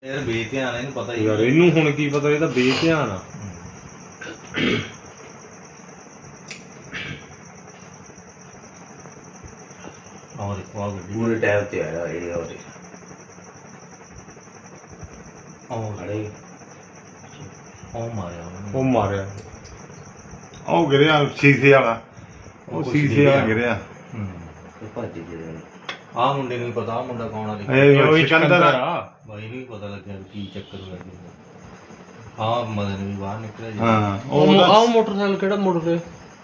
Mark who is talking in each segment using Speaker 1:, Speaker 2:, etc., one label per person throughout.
Speaker 1: ਯਾਰ ਬੇਧਿਆਨ ਇਹਨੂੰ ਪਤਾ ਹੀ
Speaker 2: ਯਾਰ ਇਹਨੂੰ ਹੁਣ ਕੀ ਪਤਾ, ਇਹ ਤਾਂ ਬੇਧਿਆਨ ਆ।
Speaker 1: और देखो गड्डी
Speaker 3: पूरे टाइम ते आया ये
Speaker 1: और
Speaker 3: अरे
Speaker 1: ਉਹ ਮਾਰਿਆ ਉਹਨੇ।
Speaker 2: ਉਹ ਮਾਰਿਆ, ਉਹ ਗਿਰਿਆ ਸ਼ੀਸ਼ੇ ਵਾਲਾ, ਉਹ ਸ਼ੀਸ਼ੇ ਵਾਲਾ ਗਿਰਿਆ।
Speaker 3: तो भज गए
Speaker 1: ਆਹ ਮੁੰਡੇ ਨੂੰ ਵੀ ਪਤਾ, ਆਹ ਮੁੰਡਾ ਕੌਣ ਆ ਦੇਖੋ।
Speaker 2: ਇਹ ਉਹ ਸਿਕੰਦਰ ਆ।
Speaker 1: ਬਾਈ ਨੂੰ ਵੀ ਪਤਾ ਲੱਗਿਆ ਵੀ ਕੀ ਚੱਕਰ ਹੋਇਆ ਜੀ। ਆਹ ਮਦਨ ਵੀ ਬਾਹਰ ਨਿਕਲਿਆ ਜੀ।
Speaker 2: ਹਾਂ
Speaker 4: ਉਹ ਆਹ ਮੋਟਰਸਾਈਕਲ ਕਿਹੜਾ ਮੁੜ ਰਿਹਾ?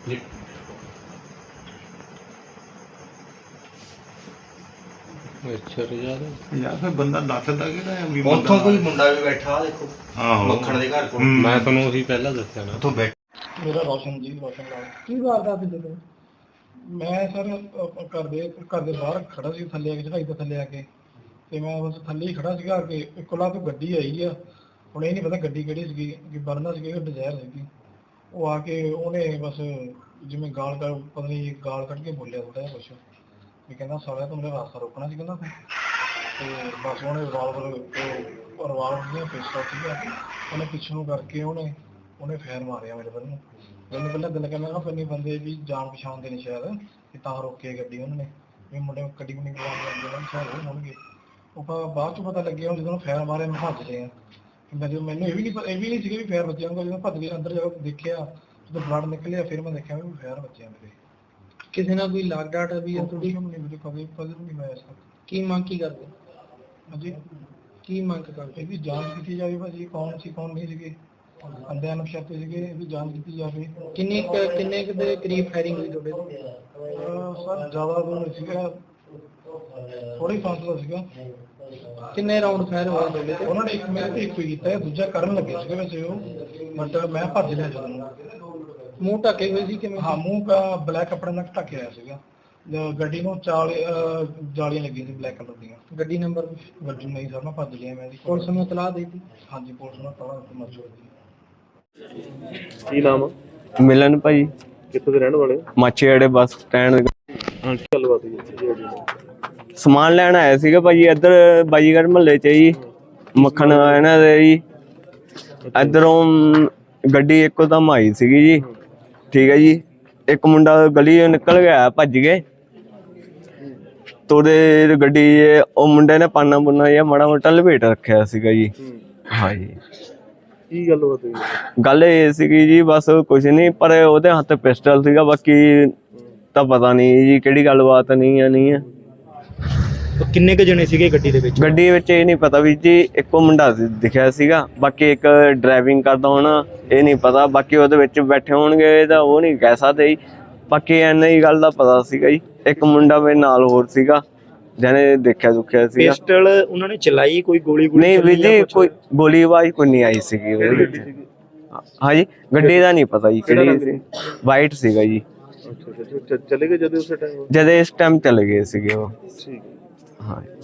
Speaker 4: ਅੱਛਾ ਰਿਜਾਦ
Speaker 2: ਯਾਰ ਫਿਰ ਬੰਦਾ ਦੱਸਦਾ ਕਿਹੜਾ ਹੈ ਵੀ
Speaker 1: ਉੱਥੋਂ ਕੋਈ ਮੁੰਡਾ ਵੀ ਬੈਠਾ ਆ ਦੇਖੋ,
Speaker 2: ਆਹੋ
Speaker 1: ਮੱਖਣ ਦੇ ਘਰ ਕੋਲ।
Speaker 2: ਮੈਂ ਤੁਹਾਨੂੰ ਉਹੀ ਪਹਿਲਾਂ ਦੱਸਿਆ ਨਾ।
Speaker 1: ਉੱਥੋਂ ਬੈਠ
Speaker 5: ਮੇਰਾ ਰੋਸ਼ਨ ਜੀ, ਰੋਸ਼ਨ ਲਾਲ। ਕੀ ਵਾਰਦਾਤ ਸੀ ਜਦੋਂ ਮੈਂ ਸਰ ਘਰ ਦੇ ਬਾਹਰ ਖੜਾ ਸੀ, ਥੱਲੇ ਆ ਕੇ ਚੜਾਈ ਤੋਂ ਥੱਲੇ ਆ ਕੇ, ਤੇ ਮੈਂ ਬਸ ਥੱਲੇ ਹੀ ਖੜਾ ਸੀਗਾ ਕਿ ਇੱਕੋਲਾ ਤੋਂ ਗੱਡੀ ਆਈ ਆ। ਹੁਣ ਇਹ ਨਹੀਂ ਪਤਾ ਗੱਡੀ ਕਿਹੜੀ ਸੀਗੀ, ਕਿ ਵਰਨਾ ਸੀਗੀ ਕਿ ਡਿਜ਼ਾਇਰ ਸੀਗੀ। ਉਹ ਆ ਕੇ ਉਹਨੇ ਬਸ ਜਿਵੇਂ ਗਾਲ ਕੱਢ, ਪਤਾ ਨਹੀਂ ਗਾਲ ਕੱਢ ਕੇ ਬੋਲਿਆ ਥੋੜਾ ਜਿਹਾ ਕੁਛ, ਵੀ ਕਹਿੰਦਾ ਸਾਲਿਆ ਤੂੰ ਮੇਰਾ ਰਾਸਤਾ ਰੋਕਣਾ ਸੀ ਕਹਿੰਦਾ। ਤੇ ਬਸ ਉਹਨੇ ਰਿਵਾਲਵਰ ਦੀਆਂ ਪਿਸਤੌਲ ਸੀਗਾ, ਉਹਨੇ ਪਿੱਛੇ ਨੂੰ ਕਰਕੇ ਉਹਨੇ ਫੇਰ ਮਾਰਿਆ ਮੇਰੇ ਵੱਲ ਨੂੰ। ਮੈਨੂੰ ਪਹਿਲਾਂ ਦਿਲ ਕਹਿੰਦਾ ਫਿਰ ਨਹੀਂ ਬੰਦੇ ਵੀ ਜਾਣ ਪਛਾਣ ਦੇ ਨੇ ਸ਼ਾਇਦ, ਕਿ ਤਾਂ ਰੋਕੇ ਗੱਡੀ ਉਹਨਾਂ ਨੇ, ਵੀ ਮੁੰਡੇ ਗੱਡੀ ਗੁੱਡੀ ਕਰਵਾਉਣ ਲੱਗੇ ਉਹਨਾਂ ਸ਼ਾਇਦ ਉਹ ਹੋਣਗੇ। ਉਹ ਬਾਅਦ ਚ ਪਤਾ ਲੱਗਿਆ ਜਦੋਂ ਫੇਰ ਮਾਰਿਆ ਮੈਂ ਭੱਜ ਲਿਆ। ਮੈਨੂੰ ਇਹ ਵੀ ਨਹੀਂ ਸੀਗਾ ਵੀ ਫੇਰ ਵੱਜਿਆ ਹੋਊਗਾ। ਜਦੋਂ ਭੱਜ ਕੇ ਅੰਦਰ ਜਾ ਕੇ ਦੇਖਿਆ, ਜਦੋਂ ਬਲੱਡ ਨਿਕਲਿਆ, ਫਿਰ ਮੈਂ ਦੇਖਿਆ ਵੀ ਫੇਰ ਵੱਜਿਆ ਮੇਰੇ।
Speaker 4: ਕਿਸੇ ਨਾਲ ਕੋਈ ਲਾਗ ਡਾਟ ਵੀ ਹੈ ਤੁਹਾਡੀ?
Speaker 5: ਕਦੇ ਨਹੀਂ ਮੈਂ ਐਸਾ।
Speaker 4: ਕੀ ਮੰਗ ਕੀ ਕਰਦੇ?
Speaker 5: ਹਾਂਜੀ
Speaker 4: ਕੀ ਮੰਗ ਕਰਦੇ?
Speaker 5: ਇਹਦੀ ਜਾਂਚ ਕੀਤੀ ਜਾਵੇ ਭਾਜੀ, ਕੌਣ ਸੀ ਕੌਣ ਨਹੀਂ ਸੀਗੇ, ਅੰਦਿਆਂ ਨੂੰ ਸ਼ੱਕ ਸੀਗੇ, ਇਹਦੀ ਜਾਂਚ ਕੀਤੀ ਜਾਵੇ।
Speaker 4: ਕਿੰਨੇ ਕੁ ਦੇ ਕਰੀਬ ਫਾਇਰਿੰਗ ਹੋਈ ਤੁਹਾਡੇ ਤੋਂ?
Speaker 5: ਸਰ ਜ਼ਿਆਦਾ ਦੂਰ ਨਹੀਂ ਸੀਗਾ, ਥੋੜੀ ਫਾਸਲਾ ਸੀਗਾ।
Speaker 4: ਕਿੰਨੇ ਰਾਉਂਡ ਫਾਇਰ ਹੋਏ ਤੁਹਾਡੇ ਤੇ?
Speaker 5: ਉਹਨਾਂ ਨੇ ਇੱਕ ਮੇਰੇ ਤੇ ਇੱਕ ਹੀ ਕੀਤਾ, ਦੂਜਾ ਕਰਨ ਲੱਗੇ ਸੀਗੇ ਵੈਸੇ ਉਹ, ਬਟ ਮੈਂ ਭੱਜ ਲਿਆ ਜਦੋਂ।
Speaker 4: ਮੂੰਹ ਢੱਕੇ ਹੋਏ ਸੀ ਕਿਵੇਂ?
Speaker 5: ਹਾਂ, ਮੂੰਹ ਬਲੈਕ ਕੱਪੜੇ ਨਾਲ ਢੱਕਿਆ ਹੋਇਆ ਸੀਗਾ। ਗੱਡੀ ਨੂੰ ਜਾਲੀਆਂ ਲੱਗੀਆਂ ਸੀ ਬਲੈਕ ਕਲਰ ਦੀਆਂ।
Speaker 4: ਗੱਡੀ ਨੰਬਰ?
Speaker 5: ਗੱਡੀ ਨਹੀਂ ਸਰ, ਮੈਂ ਭੱਜ ਲਿਆ। ਮੈਂ
Speaker 4: ਪੁਲਿਸ ਨੂੰ ਇਤਲਾਹ ਦੇ ਦਿੱਤੀ?
Speaker 5: ਹਾਂਜੀ, ਪੁਲਿਸ ਨੂੰ ਤਲਾ ਮਰਜ਼ੀ ਹੋਈ।
Speaker 6: ਕੀ ਨਾਮ ਆ?
Speaker 7: ਮਿਲਨ ਭਾਈ,
Speaker 6: ਕਿੱਥੋਂ ਦੇ ਰਹਿਣ ਵਾਲੇ?
Speaker 7: ਮਾਛੀਵਾੜੇ ਬੱਸ ਸਟੈਂਡ।
Speaker 6: ਹਾਂ, ਕੀ ਗੱਲਬਾਤ ਹੋਈ?
Speaker 7: ਸਮਾਨ ਲੈਣ ਆਇਆ ਸੀਗਾ ਭਾਜੀ, ਇੱਧਰ ਬਾਜੀਗਰ ਮਹੱਲੇ 'ਚ ਜੀ, ਮੱਖਣ ਇਹਨਾਂ ਦੇ ਜੀ। ਇੱਧਰੋਂ ਗੱਡੀ ਇੱਕੋਦਮ ਆਈ ਸੀਗੀ ਜੀ, ਠੀਕ ਹੈ ਜੀ। ਇੱਕ ਮੁੰਡਾ ਗਲੀ ਨਿਕਲ ਗਿਆ, ਭੱਜ ਗਏ। ਤੋੜੇ ਗੱਡੀ ਉਹ ਮੁੰਡੇ ਨੇ ਪਾਨਾ ਪੁੰਨਾ ਜਾਂ ਮਾੜਾ ਮੋਟਾ ਲਪੇਟ ਰੱਖਿਆ ਸੀਗਾ ਜੀ। ਹਾਂ ਜੀ।
Speaker 6: ਕੀ ਗੱਲਬਾਤ ਹੋਈ?
Speaker 7: ਗੱਲ ਇਹ ਸੀਗੀ ਜੀ, ਬਸ ਕੁਛ ਨਹੀਂ, ਪਰ ਉਹਦੇ ਹੱਥ ਪਿਸਟਲ ਸੀਗਾ। ਬਾਕੀ ਤਾਂ ਪਤਾ ਨਹੀਂ ਜੀ ਕਿਹੜੀ ਗੱਲਬਾਤ ਨਹੀਂ ਹੈ।
Speaker 6: ਕਿੰਨੇ ਕੁ ਜਣੇ ਸੀਗੇ ਗੱਡੀ ਦੇ ਵਿੱਚ?
Speaker 7: ਗੱਡੀ ਵਿੱਚ ਇਹ ਨਹੀਂ ਪਤਾ ਵੀ ਜੀ, ਇੱਕੋ ਮੁੰਡਾ ਦਿਖਿਆ ਸੀਗਾ, ਬਾਕੀ ਇੱਕ ਡਰਾਈਵਿੰਗ ਕਰਦਾ ਹੋਣਾ, ਇਹ ਨਹੀਂ ਪਤਾ। ਬਾਕੀ ਉਹਦੇ ਵਿੱਚ ਬੈਠੇ ਹੋਣਗੇ ਤਾਂ ਉਹ ਨਹੀਂ ਕਹਿ ਸਕਦੇ ਜੀ। ਬਾਕੀ ਇੰਨਾ ਹੀ ਗੱਲ ਦਾ ਪਤਾ ਸੀਗਾ ਜੀ। ਇੱਕ ਮੁੰਡਾ ਮੇਰੇ ਨਾਲ ਹੋਰ ਸੀਗਾ ਜਿਹਨੇ ਦੇਖਿਆ ਦੁਖਿਆ ਸੀਗਾ।
Speaker 6: ਪਿਸਟਲ ਉਹਨਾਂ ਨੇ ਚਲਾਈ? ਕੋਈ ਗੋਲੀ
Speaker 7: ਨਹੀਂ ਵੀਰ ਜੀ, ਕੋਈ ਗੋਲੀ ਆਵਾਜ਼ ਕੋਈ ਨਹੀਂ ਆਈ ਸੀਗੀ ਉਹਦੇ ਵਿੱਚ। ਹਾਂਜੀ, ਗੱਡੀ ਦਾ ਨਹੀਂ ਪਤਾ ਜੀ ਕਿਹੜੀ ਸੀ, ਵਾਈਟ ਸੀਗਾ ਜੀ।
Speaker 6: ਚਲੇ ਗਏ ਜਦੋਂ ਉਸ ਟਾਈਮ?
Speaker 7: ਜਦ ਇਸ ਟਾਈਮ ਚਲੇ ਗਏ ਸੀਗੇ ਉਹ।
Speaker 6: ਠੀਕ।
Speaker 7: ਹਾਂ।